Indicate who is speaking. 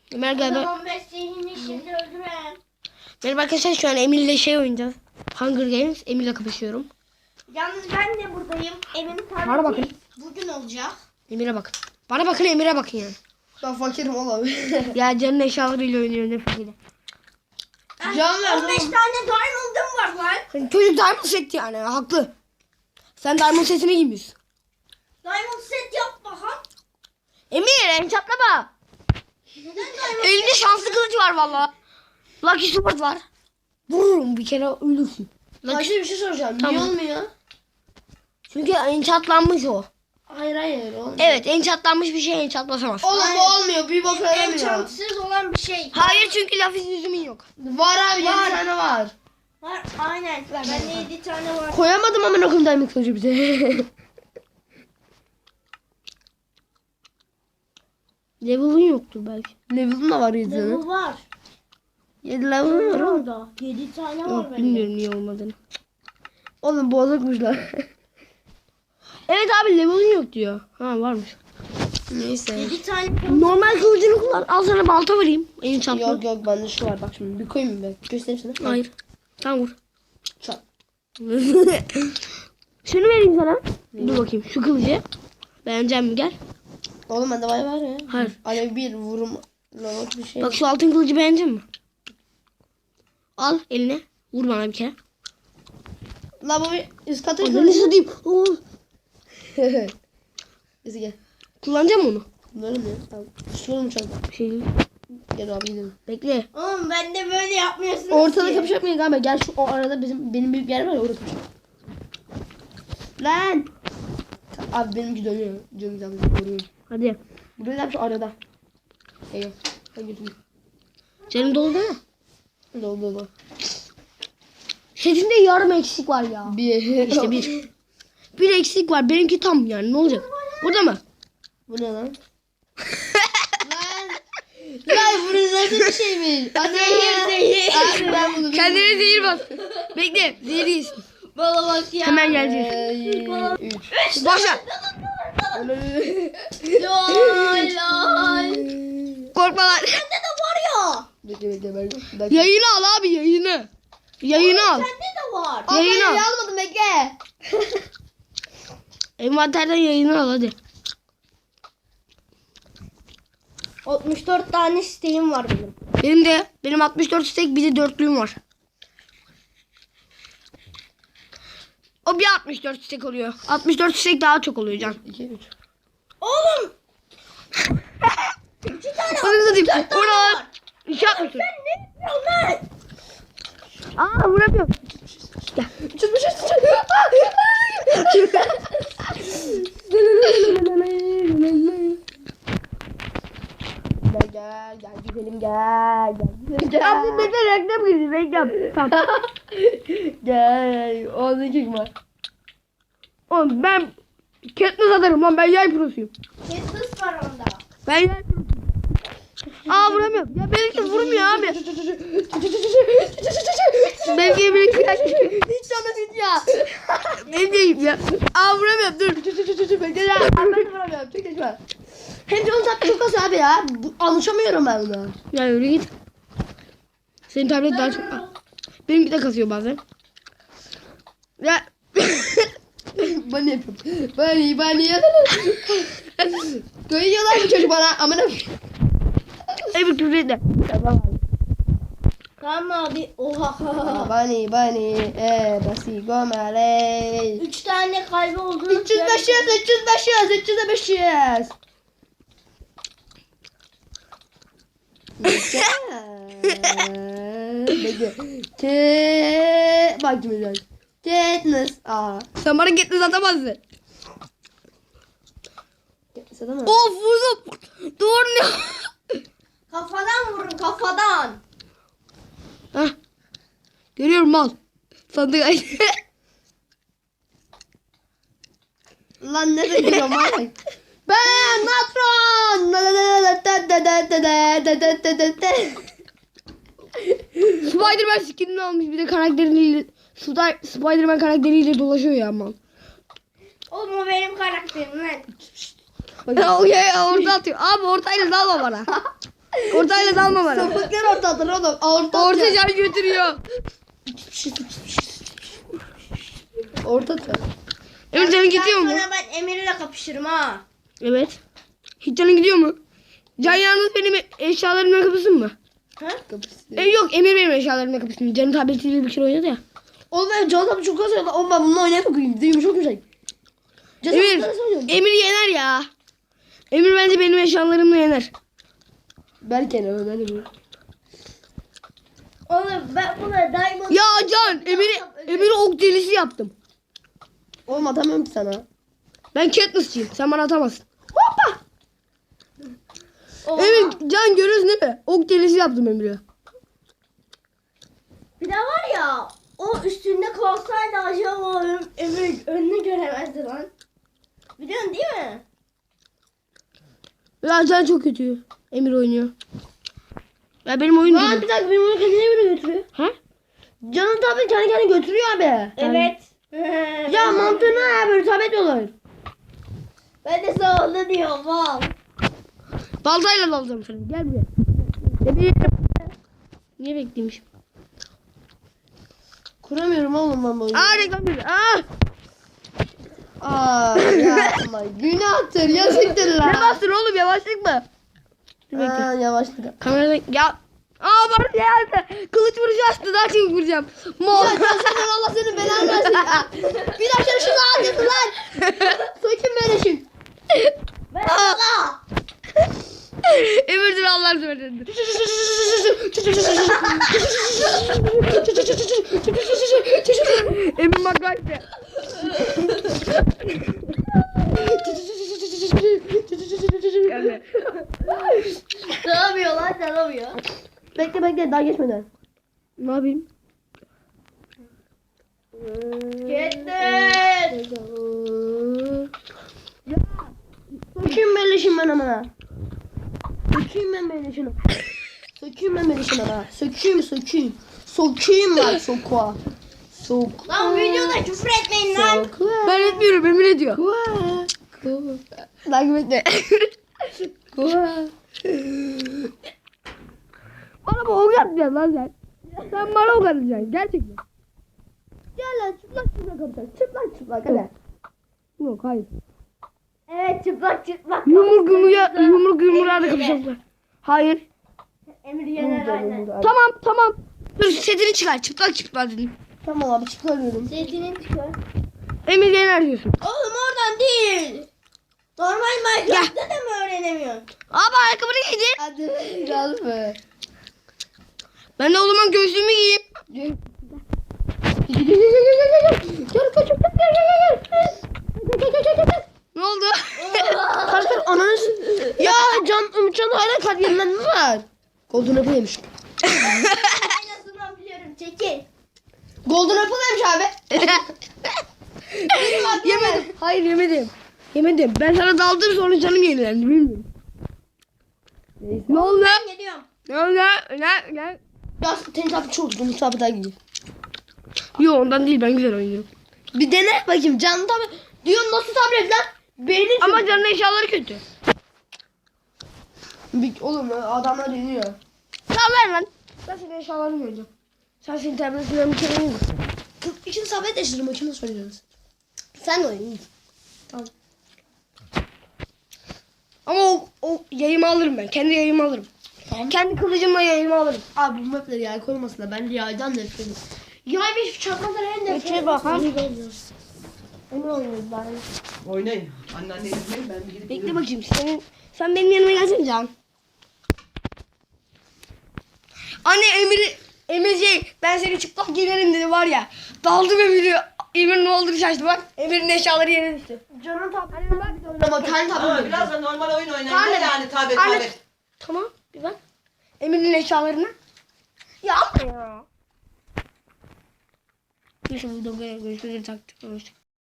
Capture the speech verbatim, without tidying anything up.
Speaker 1: Ömer
Speaker 2: O
Speaker 1: gel ben.
Speaker 2: zaman ben seni şimdi öldürürüm.
Speaker 1: Merhaba arkadaşlar, şu an Emir'le şey oynayacağız. Hunger Games. Emir'le kapışıyorum.
Speaker 2: Yalnız ben de buradayım. Evin
Speaker 1: Bana bakın.
Speaker 2: tableti bugün olacak.
Speaker 1: Emir'e bakın. Bana bakın, Emir'e bakın yani.
Speaker 3: Ben fakirim oğlum.
Speaker 1: Ya canın eşyalarıyla oynuyor, ne fakiri.
Speaker 3: Can ver
Speaker 2: on beş
Speaker 3: oğlum.
Speaker 2: tane diamond'ım var lan.
Speaker 1: Hani çocuk diamond set yani, haklı. Sen diamond setini giymiyorsun.
Speaker 2: Diamond set yap bakalım.
Speaker 1: Emir enchatlama.
Speaker 2: Neden diamond?
Speaker 1: Elinde şanslı kılıç var valla. Lucky sword var. Vururum bir kere, ölürsün. Lucky...
Speaker 3: Hacı bir şey soracağım.
Speaker 1: Tamam.
Speaker 3: Niye olmuyor?
Speaker 1: Çünkü enchantlanmış o.
Speaker 3: Hayır hayır olmuyor.
Speaker 1: Evet, enchantlanmış bir şey enchantlasamaz.
Speaker 3: Oğlum bu olmuyor. Bir bok yaramıyor.
Speaker 2: Enchantsız olan bir şey.
Speaker 1: Hayır, çünkü lafız yüzümün yok.
Speaker 3: Var abi yedi tane var.
Speaker 2: Var aynen. Bende yedi tane var.
Speaker 3: Koyamadım ama okuyayım diamond kılıcı bize.
Speaker 1: Level'ın yoktur belki.
Speaker 3: Level'ın da var yedi tane.
Speaker 2: Level var.
Speaker 3: yedi level var oğlum.
Speaker 2: Orada. yedi tane var
Speaker 1: Yok,
Speaker 2: bende.
Speaker 1: bilmiyorum niye olmadığını.
Speaker 3: Oğlum bozukmuşlar.
Speaker 1: Evet abi, level'ın yok diyor. Ha, varmış.
Speaker 3: Neyse.
Speaker 2: yedi tane.
Speaker 1: Normal kılıcını kullan. Al sana balta vereyim. Enchantlı.
Speaker 3: Yok yok bende şu var bak şimdi. Bir koyayım mı ben? Göstereyim sana.
Speaker 1: Hayır. Tamam, vur.
Speaker 3: Çat.
Speaker 1: Şunu vereyim sana. Dur bakayım şu kılıcı. Beğenecek mi, gel.
Speaker 3: Oğlum bende var var ya.
Speaker 1: Hayır.
Speaker 3: Alev bir vurum. Lavuk bir şey.
Speaker 1: Bak şu altın kılıcı beğenecek mi? Al eline. Vur bana bir kere.
Speaker 3: La bu bir üst katı üst
Speaker 1: Ananı
Speaker 3: katı.
Speaker 1: satayım. Oo.
Speaker 3: Neyse gel.
Speaker 1: Kullanacağım onu.
Speaker 3: Bunları ne? Tamam. Şunu mu çaldı?
Speaker 1: Bir şey değil.
Speaker 3: Gel abi gidelim.
Speaker 1: Bekle.
Speaker 2: Oğlum ben de böyle yapmıyorsunuz
Speaker 3: Ortada
Speaker 2: ki.
Speaker 3: kapışacak mıyız galiba? Gel şu o arada bizim benim büyük yer var ya orada kapışalım. Lan. Abi benimki dönüyor. Canım canım vuruyor.
Speaker 1: Hadi.
Speaker 3: Burada da şu arada. Eyvah. Ben götüreyim.
Speaker 1: Canım dolu değil mi?
Speaker 3: Dolu dolu.
Speaker 1: Setinde yarım eksik var ya.
Speaker 3: Bir.
Speaker 1: İşte bir. Bir eksik var. Benimki tam yani, ne olacak? Burada mı?
Speaker 3: Bu ne lan? lan. Lan bu nasıl bir şeymiş?
Speaker 2: Zehir zehir.
Speaker 3: Abi ben bunu
Speaker 1: Kendine zehir bas. Bekle. Zehri yesin.
Speaker 2: Bana bak ya.
Speaker 1: Hemen gelecek.
Speaker 3: Ee, Üç.
Speaker 1: Başla.
Speaker 2: Lol lol.
Speaker 1: Korkma lan.
Speaker 2: Bende de var ya.
Speaker 3: Bekle bekle ben. ben-
Speaker 1: Yayını al abi, yayını. Yayını al.
Speaker 2: Bende de var.
Speaker 3: Aa,
Speaker 1: Yayını
Speaker 3: ben
Speaker 1: al.
Speaker 3: almadım bekle.
Speaker 1: Envanterden yayını al hadi.
Speaker 2: altmış dört tane isteğim var benim.
Speaker 1: Benim de benim altmış dört stek, bir de dörtlüğüm var. O bir altmış dört stek oluyor. altmış dört stek daha çok oluyor can.
Speaker 3: İki üç.
Speaker 2: Oğlum. İki tane
Speaker 1: Hadi satayım.
Speaker 2: tane
Speaker 1: Buralar.
Speaker 2: var.
Speaker 1: İki yapmışsın.
Speaker 2: Ben ne yapıyorum lan?
Speaker 1: Aa, vuramıyorum. Gel.
Speaker 3: Çıkmış çıkmış. Gel gel gel güzelim gel gel güzelim
Speaker 1: Ya bu
Speaker 3: gel.
Speaker 1: bekle, reklam girdi, reklam. Tamam.
Speaker 3: Gel. Orada kim var?
Speaker 1: Oğlum ben Katniss atarım lan, ben yay prosuyum.
Speaker 2: Katniss var onda.
Speaker 1: Ben yay prosuyum. Aa, vuramıyorum. Ya benimki vurmuyor abi. Benimki benimki
Speaker 3: Hiç sana git ya.
Speaker 1: benim değil ya. Aa, vuramıyorum, dur.
Speaker 3: Bekle ya. Ben de vuramıyorum. Çok geç var. Hem canım tatlı çok az abi ya. Bu- Alışamıyorum ben buna.
Speaker 1: Ya yürü git. Senin tablet daha çok... Benimki de kasıyor bazen. Ya...
Speaker 3: Bunny yapıyorum. Bunny bunny yapıyorum. Koyuyorlar bu çocuk bana. Amına.
Speaker 1: Ey bir küfür etme.
Speaker 2: Tamam abi. Oha.
Speaker 3: Bunny bunny. E basi gomale.
Speaker 2: Üç tane kalbi oldu.
Speaker 3: üç yüz beş yüz üç yüz beş yüz üç yüz beş yüz. Bekle. Te bak şimdi bak. Katniss. Aa.
Speaker 1: Sen bana Katniss atamazsın.
Speaker 3: Katniss adamı.
Speaker 1: Of, vurdum. Doğru ne?
Speaker 2: Kafadan vurun kafadan.
Speaker 1: Hah. Görüyorum mal. Sandık ay.
Speaker 3: Lan ne diyorum lan? Ben Natron.
Speaker 1: Spider-Man skinini almış, bir de karakteriyle Spider- Spider-Man karakteriyle dolaşıyor ya mal.
Speaker 2: Oğlum o benim karakterim lan.
Speaker 1: Ya o ya orta atıyor. Abi ortayla dalma bana. Ortayla dalma bana.
Speaker 3: Sapıklar ortadır oğlum. Orta
Speaker 1: Orta
Speaker 3: atacak.
Speaker 1: can götürüyor.
Speaker 3: Orta atacak.
Speaker 1: Emir canın gidiyor mu?
Speaker 2: Sonra ben Emir'le kapışırım ha.
Speaker 1: Evet. Hiç canın gidiyor mu? Can yalnız benim eşyalarımla kapısın mı?
Speaker 2: Ha?
Speaker 1: E, yok Emir benim eşyalarımla kapısın. Canın tabletiyle bir kere oynadı ya.
Speaker 3: Oğlum ben Can tabi çok kasıyor. Oğlum ben bununla oynayıp okuyayım. Değil mi? Çok güzel. Can
Speaker 1: Emir,
Speaker 3: tabi
Speaker 1: Emir yener ya. Emir bence benim eşyalarımla yener.
Speaker 3: Belki ne öyle mi?
Speaker 2: Oğlum ben buna diamond...
Speaker 1: Ya Can, Emir'i Emir'i ok delisi yaptım.
Speaker 3: Oğlum atamıyorum ki sana.
Speaker 1: Ben Katniss'ciyim. Sen bana atamazsın.
Speaker 2: Oha.
Speaker 1: Emir, Can görüyorsun değil mi? Ok delisi yaptım Emir'e.
Speaker 2: Bir de var ya o üstünde kalsaydı acaba Emir önünü göremezdi lan. Biliyorsun değil mi?
Speaker 1: Ya Can çok kötü. Emir oynuyor. Ya benim oyun
Speaker 3: Lan
Speaker 1: değil.
Speaker 3: bir dakika benim onu kendine göre götürüyor.
Speaker 1: Ha?
Speaker 3: Canın tabi kendi kendine götürüyor abi.
Speaker 2: Evet.
Speaker 3: Ya mantığı ne ya böyle tablet olur.
Speaker 2: Ben de sana onu diyorum val.
Speaker 1: Baltayla dalacağım seni. Gel buraya. Emir. Niye bekleymişim?
Speaker 3: Kuramıyorum oğlum ben bu oyunu.
Speaker 1: Aa reklam gibi. Aa.
Speaker 3: Aa yapma. Günahtır yazıktır lan.
Speaker 1: Ne bastın oğlum yavaşlık mı? Dur bekle.
Speaker 3: Aa yavaşlık.
Speaker 1: Kameradan ya. Aa bana geldi. Kılıç vuruşu açtı. Daha çok vuracağım. Mor.
Speaker 3: Ya Can sen Allah senin belanı versin ya. Bir dakika şunu alacaksın lan. Sökün böyle şimdi.
Speaker 2: Ben sana.
Speaker 1: Emir dur Allah'ını seversen. Emir bak bak de. Gelme.
Speaker 2: Ne yapıyor lan ne yapıyor?
Speaker 3: Bekle bekle daha geçmeden.
Speaker 1: Ne yapayım?
Speaker 2: Gittin.
Speaker 3: Sökeyim ben leşim ben amına. Sökeyim ben ben leşini. Sökeyim ben ben leşini ha. Sökeyim sökeyim. Sokayım lan sokuğa. Sok.
Speaker 2: Lan videoda küfür etmeyin lan.
Speaker 3: Sokuğa.
Speaker 1: Ben etmiyorum Emir ediyor.
Speaker 3: Sokuğa.
Speaker 1: Takip etme.
Speaker 3: Sokuğa.
Speaker 1: Bana bu ok atacaksın lan sen. Sen bana ok atacaksın gerçekten.
Speaker 3: Gel lan çıplak çıplak kapatacak. Çıplak çıplak hadi.
Speaker 1: Yok hayır.
Speaker 2: Evet çıplak çıplak.
Speaker 1: Yumruk yumruğa yumruk yumruğa da kapışacaklar. Hayır.
Speaker 2: Emir yener aynen.
Speaker 1: Tamam tamam. Dur setini çıkar çıplak çıplak dedim.
Speaker 3: Tamam abi çıkarıyorum.
Speaker 2: Zeytinin çıkıyor.
Speaker 1: Emir yener diyorsun.
Speaker 2: Oğlum oradan değil. Normal Minecraft'ta da mı öğrenemiyorsun?
Speaker 1: Abi ayakkabını giydin.
Speaker 3: Hadi biraz mı?
Speaker 1: Ben de o zaman gözlüğümü giyeyim.
Speaker 3: Gel gel kaç gel gel gel gel.
Speaker 1: Ne oldu?
Speaker 3: Kaç kaç ananı s- Ya can Umutcan hala kalp yerinden mi var? Golden Apple yemiş.
Speaker 2: Aynasından biliyorum çekil.
Speaker 3: Golden Apple yemiş abi.
Speaker 1: Yemedim. Hayır yemedim. Yemedim. Ben sana daldım sonra canım yenilendi bilmiyorum. Ne oldu?
Speaker 2: Ben geliyorum.
Speaker 1: Ne oldu? Ne? Ne?
Speaker 3: Ya senin tabi çok uzun tabi daha gidiyor.
Speaker 1: Yok ondan değil ben güzel oynuyorum.
Speaker 3: Bir dene bakayım canlı tabi. Diyor nasıl tablet lan? Beynin
Speaker 1: Ama canın eşyaları kötü.
Speaker 3: Bir, oğlum adamlar deniyor.
Speaker 1: Tamam ver lan. Ben senin eşyalarını göreceğim. Sen senin tabletinden bir kere oynayın.
Speaker 3: Kız için tablet değiştirdim maçını söylüyoruz. Sen de oynayın.
Speaker 1: Ama o, o yayımı alırım ben. Kendi yayımı alırım.
Speaker 3: Tamam.
Speaker 1: Kendi kılıcımla yayımı alırım.
Speaker 3: Abi bu mapleri yay koymasınlar. Ben yaydan nefret ediyorum. Yay bir çakmadan en nefret
Speaker 1: Peki bakalım.
Speaker 3: Ne oynuyoruz bari?
Speaker 4: Oynayın. Anneanne izleyin ben bir gidip
Speaker 1: Bekle bakayım. Senin, sen benim yanıma gelsene Can. Anne Emir'i Emir şey ben seni çıplak giyerim dedi var ya. Daldım Emir'i. Emir ne oldu şaştı bak. Emir'in eşyaları yere düştü.
Speaker 3: Canın tableti bak. Ama kendi
Speaker 4: Ama
Speaker 3: tableti.
Speaker 4: biraz da normal oyun oynayın.
Speaker 1: Anne,
Speaker 4: Ne yani tablet
Speaker 1: anne.
Speaker 4: tablet.
Speaker 1: Tamam bir bak. Emir'in eşyalarına. Ya ama ya. Neyse bu da böyle görüşmeleri taktık.